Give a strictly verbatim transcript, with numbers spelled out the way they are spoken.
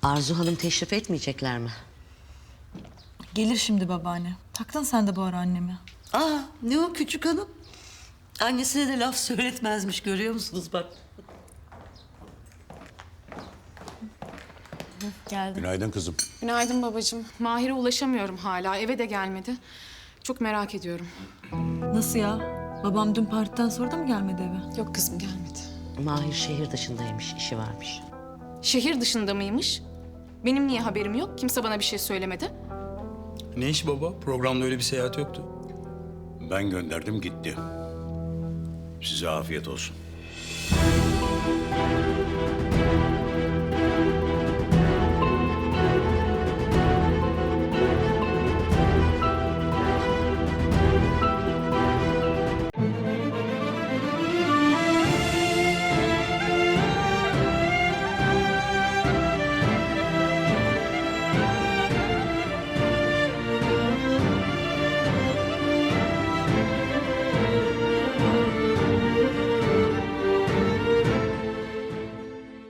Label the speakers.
Speaker 1: Arzu Hanım teşrif etmeyecekler mi?
Speaker 2: Gelir şimdi babaanne. Taktın sen de bu ara annemi.
Speaker 1: Aa, ne o küçük hanım? Annesine de laf söyletmezmiş, görüyor musunuz bak.
Speaker 2: Geldim.
Speaker 3: Günaydın kızım.
Speaker 4: Günaydın babacığım. Mahir'e ulaşamıyorum hala. Eve de gelmedi. Çok merak ediyorum.
Speaker 2: Nasıl ya? Babam dün partiden sonra da mı gelmedi eve?
Speaker 4: Yok kızım gelmedi.
Speaker 1: Mahir şehir dışındaymış, işi varmış.
Speaker 4: Şehir dışında mıymış? Benim niye haberim yok? Kimse bana bir şey söylemedi.
Speaker 5: Ne iş baba? Programda öyle bir seyahat yoktu.
Speaker 3: Ben gönderdim gitti. Size afiyet olsun.